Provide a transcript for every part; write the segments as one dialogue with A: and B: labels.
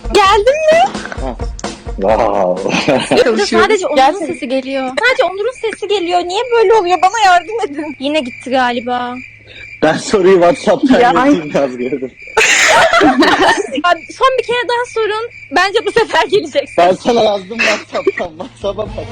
A: Geldin mi?
B: Wow.
A: Sadece Onur'un sesi geliyor. Sadece Onur'un sesi geliyor. Niye böyle oluyor? Bana yardım edin. Yine gitti galiba.
B: Ben soruyu WhatsApp'tan yazayım yazgıyordum.
A: Son bir kere daha sorun. Bence bu sefer geleceksin.
B: Ben sana yazdım WhatsApp'tan. WhatsApp'a bak.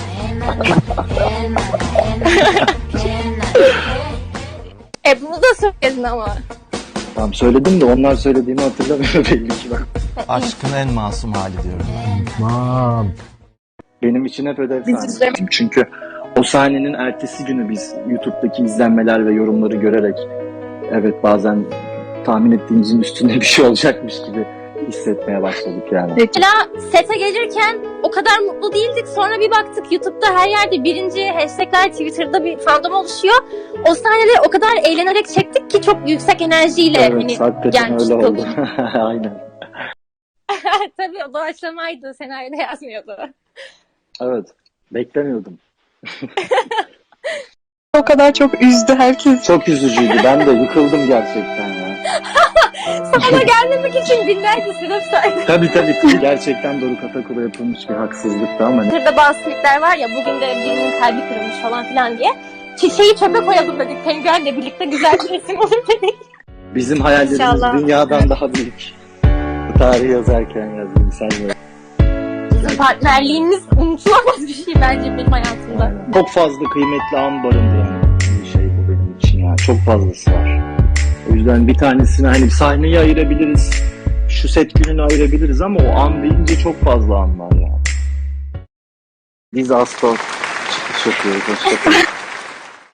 A: Bunu da söyledin ama.
B: Tamam söyledim de onlar söylediğimi hatırlamıyor belli ki bak.
C: Aşkın en masum hali diyorum ben.
D: Tamam.
B: Benim için hep ödev sahnesi. Çünkü o sahnenin ertesi günü biz YouTube'daki izlenmeler ve yorumları görerek evet bazen tahmin ettiğimizin üstünde bir şey olacakmış gibi hissetmeye başladık yani.
A: Mesela sete gelirken o kadar mutlu değildik. Sonra bir baktık YouTube'da her yerde birinci hashtagler, Twitter'da bir fandom oluşuyor. O sahneleri o kadar eğlenerek çektik ki çok yüksek enerjiyle
B: Evet, hakikaten
A: gelmiştik
B: öyle
A: o
B: oldu.
A: gün.
B: Aynen.
A: Tabii o doğaçlamaydı. Senaryoda yazmıyordu.
B: Evet. Beklemiyordum.
E: O kadar çok üzdü herkes.
B: Çok üzücüydü. Ben de yıkıldım gerçekten ya.
A: Sana gelmemek için binlerce sebep saydı.
B: Tabii. Gerçekten Doruk Atakul'a yapılmış bir haksızlıktı ama
A: Twitter'da bazı tweetler var ya, bugün de birinin kalbi kırılmış falan filan diye. Çiçeği çöpe koyalım dedik. Penguenle birlikte güzel bir resim olur dedik.
B: bizim hayallerimiz
A: İnşallah.
B: dünyadan daha büyük. Bu tarihi yazarken yazdım sen de.
A: Bizim partnerliğimiz unutulamaz bir şey bence benim hayatımda.
B: Çok fazla kıymetli an barındıran bir şey bu benim için ya. Çok fazlası var. O yüzden bir tanesini hani sahneyi ayırabiliriz. Şu set gününü ayırabiliriz ama o an deyince çok fazla an var ya. Biz Astor çıkış yapıyoruz. Hoşçakalın.